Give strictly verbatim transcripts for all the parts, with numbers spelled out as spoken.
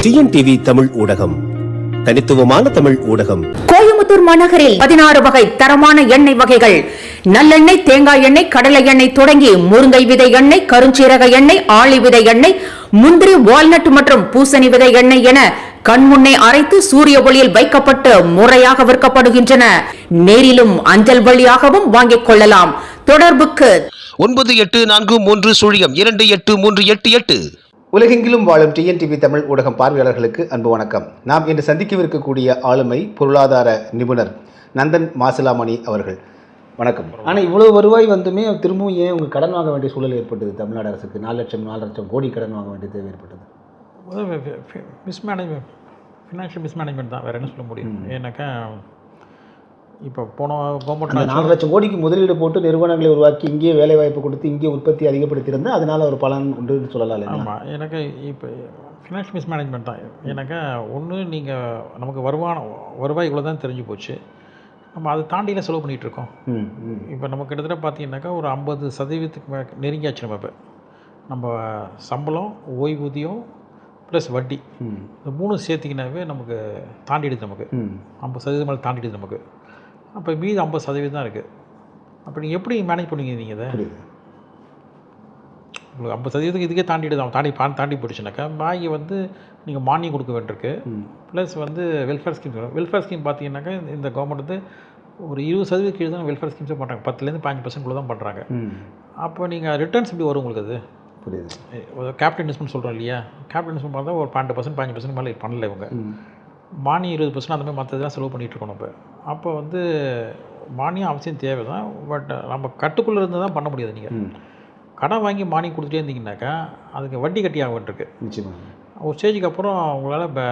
TNTV Tamil ஊடகம், தனித்துவமான தமிழ் ஊடகம். கோயம்புத்தூர் மாநகரில் பதினாறு வகை தரமான எண்ணெய் வகைகள், நல்லெண்ணெய், தேங்காய் எண்ணெய், கடலை எண்ணெய் தொடங்கி முருங்கை விதை எண்ணெய், கருஞ்சீரக எண்ணெய், ஆளி விதை எண்ணெய், முந்திரி, வால்நட் மற்றும் பூசணி விதை எண்ணெய் என கண்முன்னே அரைத்து சூரிய ஒளியில் வைக்கப்பட்டு முறையாக விற்கப்படுகின்றன. நேரிலும் அஞ்சல் வழியாகவும் வாங்கிக் கொள்ளலாம். தொடர்புக்கு ஒன்பது எட்டு நான்கு மூன்று சுழியம் இரண்டு எட்டு மூன்று எட்டு எட்டு. உலகெங்கிலும் வாழும் டிஎன்டிவி தமிழ் ஊடகம் பார்வையாளர்களுக்கு அன்பு வணக்கம். நாம் இன்று சந்திக்கவிருக்கக்கூடிய ஆளுமை பொருளாதார நிபுணர் நந்தன் மாசிலாமணி அவர்கள். வணக்கம். ஆனால் இவ்வளவு வருவாய் வந்துமே திரும்பவும் ஏன் உங்கள் கடன் வாங்க வேண்டிய சூழல் ஏற்பட்டது? தமிழ்நாடு அரசுக்கு நாலு லட்சம் நாலு லட்சம் கோடி கடன் வாங்க வேண்டிய தேவை ஏற்பட்டது. மிஸ்மேனேஜ்மெண்ட், ஃபினான்ஷியல் மிஸ்மேனேஜ்மெண்ட் தான், வேறு என்ன சொல்ல முடியும்? ஏன்னாக்கா இப்போ போன கவர்மெண்ட் நாலு லட்சம் கோடிக்கு முதலீடு போட்டு நிறுவனங்களை உருவாக்கி இங்கேயே வேலை வாய்ப்பு கொடுத்து இங்கே உற்பத்தி அதிகப்படுத்தியிருந்தால் அதனால் ஒரு பலன் உண்டுன்னு சொல்லலாம். ஆமாம், எனக்கு இப்போ ஃபினான்ஷியல் மிஸ்மேனேஜ்மெண்ட் தான். ஏன்னாக்கா ஒன்று நீங்கள் நமக்கு வருமானம் வருவாய் இவ்வளோ தான் தெரிஞ்சு போச்சு, நம்ம அதை தாண்டிலாம் செலவு பண்ணிகிட்ருக்கோம். இப்போ நம்ம கிட்டத்தட்ட பார்த்தீங்கன்னாக்கா ஒரு ஐம்பது சதவீதத்துக்கு நெருங்கியாச்சு. நம்ம இப்போ நம்ம சம்பளம், ஓய்வூதியம் ப்ளஸ் வட்டி, இந்த மூணு சேர்த்திக்கினாவே நமக்கு தாண்டிடுது. நமக்கு ஐம்பது சதவீதம் மேலே தாண்டிடுது நமக்கு. அப்போ மீது ஐம்பது சதவீதம் தான் இருக்குது. அப்போ நீங்கள் எப்படி மேனேஜ் பண்ணுவீங்க? நீங்கள் இதை உங்களுக்கு ஐம்பது சதவீதத்துக்கு இதுக்கே தாண்டிடுது, அவன் தாண்டி பா தாண்டி போயிடுச்சுனாக்கா பாக்கி வந்து நீங்கள் மானியம் கொடுக்க வேண்டியிருக்கு. ப்ளஸ் வந்து வெல்ஃபேர் ஸ்கீம். வெல்ஃபேர் ஸ்கீம் பார்த்தீங்கன்னாக்கா இந்த கவர்மெண்ட் வந்து ஒரு இருபது சதவீதம் கீழே தான் வெல்ஃபேர் ஸ்கீம்ஸே பண்ணுறாங்க. பத்துலேருந்து பதினஞ்சு பர்சன்ட் தான் பண்ணுறாங்க. அப்போ நீங்கள் ரிட்டர்ன்ஸ் எப்படி வரும் உங்களுக்கு? அது புரியுது. கேபிட்டல் இன்வெஸ்ட்மெண்ட் சொல்கிறோம் இல்லையா? கேபிட்டல் இன்வெஸ்ட்மெண்ட் பார்த்தா ஒரு பன்னெண்டு பர்சன்ட் பதினஞ்சு பர்சன்ட் மேலே பண்ணல இவங்க. மானியம் இருபது பர்சன்ட் அந்த மாதிரி மற்றதெல்லாம் செலவு பண்ணிகிட்ருக்கோம் நம்ம. அப்போ வந்து மானியம் அவசியம் தேவை தான், பட் நம்ம கட்டுக்குள்ளே இருந்து தான் பண்ண முடியாது. நீங்கள் கடன் வாங்கி மானியம் கொடுத்துட்டே இருந்தீங்கன்னாக்கா அதுக்கு வட்டி கட்டி ஆக வேண்டியிருக்கு. நிச்சயமாக ஒரு ஸ்டேஜுக்கு அப்புறம் உங்களால் இப்போ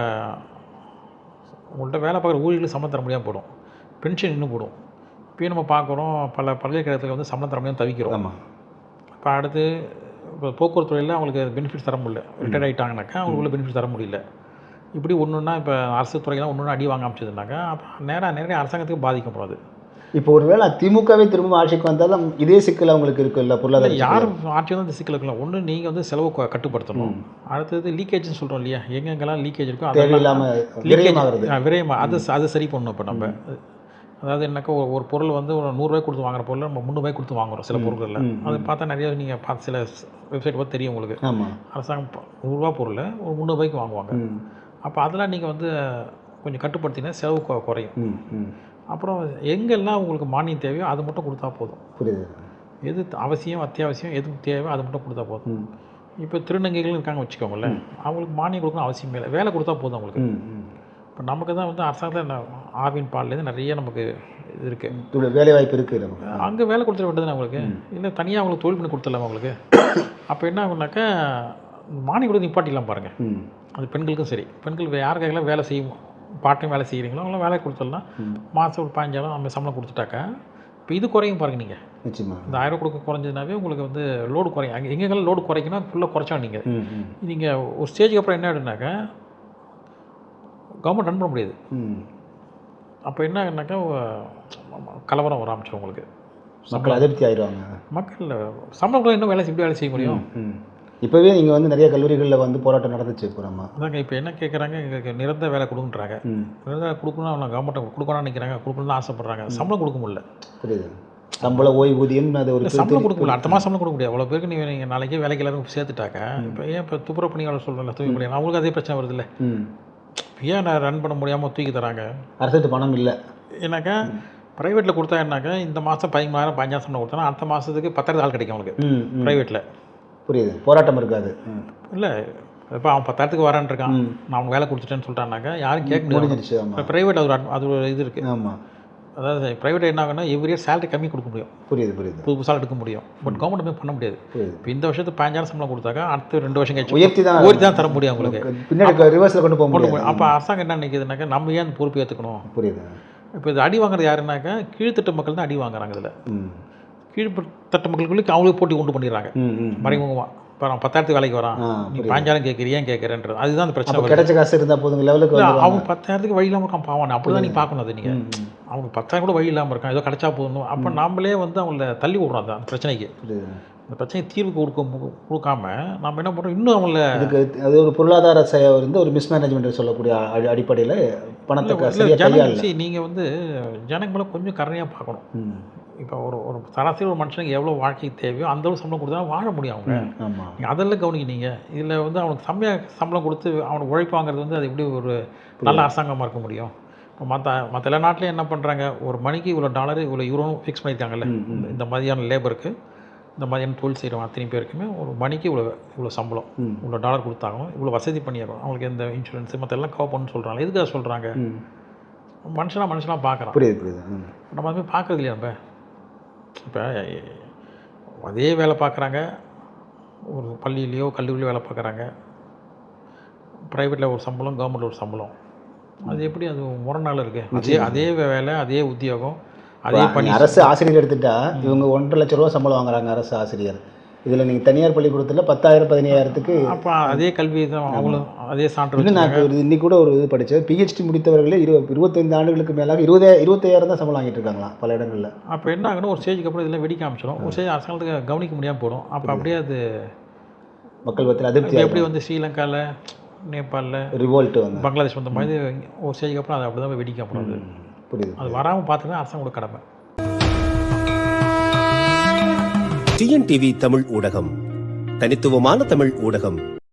உங்கள்கிட்ட வேலை பார்க்குற ஊழியர்களுக்கு சம்பளம் தர முடியாமல் போடும், பென்ஷன் இன்னும் போடும். இப்போயும் நம்ம பார்க்குறோம், பல பல்கலைக்கழகத்தில் வந்து சம்பளம் தர முடியாமல் தவிக்கிறோம். ஆமாம். இப்போ அடுத்து இப்போ போக்குவரத்து துறையில் அவங்களுக்கு பெனிஃபிட்ஸ் தர முடியல, ரிட்டையர்ட் ஆகிட்டாங்கனாக்கா அவங்களுக்கு பெனிஃபிட்ஸ் தர முடியல. இப்படி ஒன்று ஒன்றா இப்போ அரசு துறையெல்லாம் ஒன்று ஒன்று அடி வாங்க அமைச்சதுனாக்கா அப்போ நேராக நேரடியாக அரசாங்கத்துக்கு பாதிக்கப்படாது. இப்போ ஒரு வேளை திமுகவே திரும்ப ஆட்சிக்கு வந்தாலும் இதே சிக்கல் அவங்களுக்கு இருக்குல்ல? பொருளாதார யார் ஆட்சி வந்து இந்த சிக்கல் இருக்கலாம். ஒன்று நீங்கள் வந்து செலவு கட்டுப்படுத்தணும். அடுத்தது லீக்கேஜ்னு சொல்கிறோம் இல்லையா? எங்கெங்கெல்லாம் லீக்கேஜ் இருக்கோ அது இல்லாமல் விரயமாக அது அது சரி பண்ணணும். இப்போ நம்ம அதாவது என்னக்கா ஒரு ஒரு பொருள் வந்து ஒரு நூறுரூவாய் கொடுத்து வாங்குற பொருள் நம்ம முந்நூறுபாய் கொடுத்து வாங்குகிறோம் சில பொருட்களில். அது பார்த்தா நிறைய நீங்கள் பார்த்து சில வெப்சைட் பார்த்து தெரியும் உங்களுக்கு. அரசாங்கம் நூறுரூவா பொருள் ஒரு முந்நூறுபாய்க்கு வாங்குவாங்க. அப்போ அதெல்லாம் நீங்கள் வந்து கொஞ்சம் கட்டுப்படுத்தினா செலவு குறையும். அப்புறம் எங்கெல்லாம் உங்களுக்கு மானியம் தேவையோ அது மட்டும் கொடுத்தா போதும். புரியுது. எது அவசியம் அத்தியாவசியம் எது தேவையோ அது மட்டும் கொடுத்தா போதும். இப்போ திருநங்கைகள் இருக்காங்க வச்சுக்கோங்களேன், அவங்களுக்கு மானியம் கொடுக்கணும் அவசியமே இல்லை, வேலை கொடுத்தா போதும் அவங்களுக்கு. இப்போ நமக்கு தான் வந்து அரசாங்கத்தில் ஆவின் பால்லேருந்து நிறைய நமக்கு இது இருக்குது, வேலை வாய்ப்பு இருக்குது. அங்கே வேலை கொடுத்துட வேண்டியது அவங்களுக்கு, இல்லை தனியாக அவங்களுக்கு தொழில் பண்ணி கொடுத்துடலாமா அவங்களுக்கு? அப்போ என்ன ஆகுனாக்கா மானியம் கொடுத்து நிப்பாட்டிடலாம் பாருங்கள். அது பெண்களுக்கும் சரி, பெண்கள் யாருக்காகலாம் வேலை செய்யும் பார்ட் டைம் வேலை செய்கிறீங்களோ அவங்களாம் வேலை கொடுத்துடலாம். மாதம் ஒரு பதினஞ்சாயிரம் நம்ம சம்பளம் கொடுத்துட்டாக்கா இப்போ இது குறையும் பாருங்கள். நீங்கள் நிச்சயமாக இந்த ஆயிரம் கொடுக்க குறைஞ்சதுனாவே உங்களுக்கு வந்து லோடு குறையும். அங்கே எங்கெங்கெல்லாம் லோடு குறைக்கணும் ஃபுல்லாக குறைச்சா நீங்கள் நீங்கள் ஒரு ஸ்டேஜுக்கு அப்புறம் என்ன ஆகிடுனாக்கா கவர்மெண்ட் ரன் பண்ண முடியாது. அப்போ என்ன ஆகுனாக்கா கலவரம் வர ஆரம்பிச்சிடும் உங்களுக்கு. மக்கள் அதிருப்தி ஆயிடுவாங்க. மக்கள் சம்பளம் கூட இன்னும் வேலை எப்படி வேலை செய்ய முடியும்? இப்போவே நீங்கள் வந்து நிறைய கல்லூரிகளில் வந்து போராட்டம் நடந்துச்சு போகிறோமா? அதாங்க இப்போ என்ன கேட்குறாங்க, எங்களுக்கு நிரந்தர வேலை கொடுக்குன்றாங்க. நிரந்தர கொடுக்கணும் அவங்க கவர்மெண்ட்டை கொடுக்கணும்னு நினைக்கிறாங்க, கொடுக்கணும்னு ஆசைப்பட்றாங்க. சம்பளம் கொடுக்க முடியல. புரியுது. சம்பளம் ஓய்வூதியம் அது ஒரு சம்பளம் கொடுக்க முடியல. அடுத்த மாதம் சம்பளம் கொடுக்க முடியாது. அவ்வளோ பேருக்கு நீங்கள் நீங்கள் நாளைக்கே வேலைக்கு எல்லாரும் சேர்த்துட்டாக்க இப்போ ஏன் இப்போ துப்புரவு பணியாளர் சொல்கிறேன் தூக்கி முடியாது, அவங்களுக்கு அதே பிரச்சனை வருது இல்லை? ஏன் நான் ரன் பண்ண முடியாமல் தூக்கி தராங்க? அரசுக்கு பணம் இல்லை. ஏன்னாக்கா ப்ரைவேட்டில் கொடுத்தா என்னாக்கா இந்த மாதம் பதிமூணாயிரம் பதினஞ்சாயிரம் சம்பளம் கொடுத்தா அடுத்த மாதத்துக்கு பத்தாயிரத்து ஆள் கிடைக்கும் அவங்களுக்கு ப்ரைவேட்டில். புரியுது. போராட்டம் இருக்காது இல்லை. இப்போ அவன் பத்தாயிரத்துக்கு வரான் இருக்கான், நான் அவங்க வேலை கொடுத்துட்டேன்னு சொல்லிட்டான்னாக்கா யாரும் கேட்க முடியாது. இப்போ ப்ரைவேட் அது ஒரு அது ஒரு இது இருக்குது. ஆமாம். அதாவது ப்ரைவேட் என்ன ஆகுனா எவ்ரி இயர் சேலரி கம்மி கொடுக்க முடியும். புரியுது புரியுது. புது புதுசாக எடுக்க முடியும். பட் கவர்மெண்ட் போய் பண்ண முடியாது. இப்போ இந்த வருஷத்துக்கு பதினஞ்சாயிரம் சம்பளம் கொடுத்தாக்கா அடுத்த ரெண்டு வருஷம் கழிச்சு உயர்த்தி தான் உயர்த்தி தான் தர முடியும் அவங்களுக்கு. பின்னாடி ரிவர்ஸில் கொண்டு போக முடியும். அப்போ அரசாங்கம் என்ன நினைக்குதுனாக்கா நம்ம ஏன் அந்த பொறுப்பு ஏற்றுக்கணும்? புரியுது. இப்போ இது அடி வாங்குறது யாருன்னாக்கா கீழ்த்தட்டு மக்கள் தான் அடி வாங்குறாங்க. இதில் கீழ்த்தட்டு மக்களுக்குள்ளே அவங்களுக்கு போட்டி உண்டு பண்ணிடுறாங்க மறைமுகமாக. இப்போ நான் பத்தாயிரத்துக்கு வேலைக்கு வரான், நீ பதினஞ்சாயிரம் கேட்குறியா கேட்குறேன்றது அதுதான் அந்த பிரச்சனை. கிடைச்ச காசு இருந்தால் போதுங்க லெவலுக்கு. அவங்க பத்தாயிரத்துக்கு வழி இல்லாமல் இருக்கான் பாவம், அப்படி தான் நீ பார்க்கணும். அது நீங்கள் அவங்க பத்தாயிரம் கூட வழி இல்லாமல் இருக்கான், ஏதோ கிடைச்சா போகணும். அப்போ நாமளே வந்து அவங்கள தள்ளி விடுறோம் அந்த பிரச்சனைக்கு. இந்த பிரச்சனை தீர்வு கொடுக்க கொடுக்காம நம்ம என்ன பண்ணுறோம், இன்னும் அவங்கள அதுக்கு அது ஒரு பொருளாதார செ- வந்து ஒரு மிஸ்மேனேஜ்மெண்ட் சொல்லக்கூடிய அடி- அடிப்படையில் பணத்தை க- சரியா கையாளல. ஜனங்க நீங்கள் வந்து ஜனங்களை கொஞ்சம் கருணையாக பார்க்கணும். ம். இப்போ ஒரு ஒரு சராசரி ஒரு மனுஷனுக்கு எவ்வளோ வாழ்க்கைக்கு தேவையோ அந்த அளவு சம்பளம் கொடுத்தா வாழ முடியும் அவங்க. ஆமாம். நீங்கள் அதெல்லாம் கவனிக்கிறீங்க. இதில் வந்து அவனுக்கு செம்மையாக சம்பளம் கொடுத்து அவனுக்கு உழைப்பு வாங்குறது வந்து அது எப்படி ஒரு நல்ல அரசாங்கமாக இருக்க முடியும்? இப்போ மற்ற மற்ற எல்லா நாட்டிலையும் என்ன பண்ணுறாங்க, ஒரு மணிக்கு இவ்வளோ டாலரு இவ்வளோ யூரோன்னு ஃபிக்ஸ் பண்ணியிருக்காங்கல்ல. இந்த- இந்த மாதிரியான லேபருக்கு இந்த மாதிரியான தொழில் செய்கிறவங்க அத்தனை பேருக்குமே ஒரு மணிக்கு இவ்வளோ இவ்வளோ சம்பளம் இவ்வளோ டாலர் கொடுத்தாகணும், இவ்வளோ வசதி பண்ணிடுறோம், அவங்களுக்கு எந்த இன்சூரன்ஸு மற்ற எல்லாம் கவர் பண்ணணும்னு சொல்கிறாங்க. எதுக்காக சொல்கிறாங்க? மனுஷனாக மனுஷனாக பார்க்குறான். புரியுது புரியுது. ம். நம்ம அதுமாதிரி பார்க்குறது இல்லையா? நம்ம இப்போ அதே வேலை பார்க்குறாங்க, ஒரு பள்ளியிலையோ கல்லூரியிலையோ வேலை பார்க்குறாங்க. ப்ரைவேட்டில் ஒரு சம்பளம், கவர்மெண்ட்டில் ஒரு சம்பளம். அது எப்படி அது முரணால் இருக்குது? அதே அதே வேலை, அதே உத்தியோகம், அதே இப்போ பணி. அரசு ஆசிரியர் எடுத்துட்டா இவங்க ஒன்றரை லட்ச ரூபா சம்பளம் வாங்குறாங்க அரசு ஆசிரியர். இதில் நீங்கள் தனியார் பள்ளிக்கூடத்தில் பத்தாயிரம் பதினையாயிரத்துக்கு. அப்போ அதே கல்வி தான் அவங்களும் அதே சான்று இன்னும் நான் வச்சுருக்காங்க. ஒரு இன்னைக்கு கூட ஒரு இது படித்தேன், பிஹெச்டி முடித்தவர்களே இரு இருபத்தைந்து ஆண்டுகளுக்கு மேலாக இருபதே இருபத்தையாயிரம் தான் சம்பளம் வாங்கிட்டு இருக்காங்களாம் பல இடங்களில். அப்போ என்ன ஆகணும், ஒரு ஸ்டேஜுக்கு அப்புறம் இதெல்லாம் வெடிக்க ஆரம்பிச்சிடும். ஒரு ஸ்டேஜ் அரசாங்கத்துக்கு கவனிக்க முடியாமல் போடும். அப்போ அப்படியே அது மக்கள் பற்றின அதிருப்தி எப்படி வந்து ஸ்ரீலங்காவில், நேபாளில், ரிவோல்ட் வந்து. பங்களாதேஷ் வந்த மாதிரி ஒரு ஸ்டேஜுக்கு அப்புறம் அது அப்படி தான் வெடிக்க போகிறது. புரியுது. அது வராமல் பார்த்துதான் அரசாங்கோட கடமை. டிஎன்டிவி தமிழ் ஊடகம், தனித்துவமான தமிழ் ஊடகம்.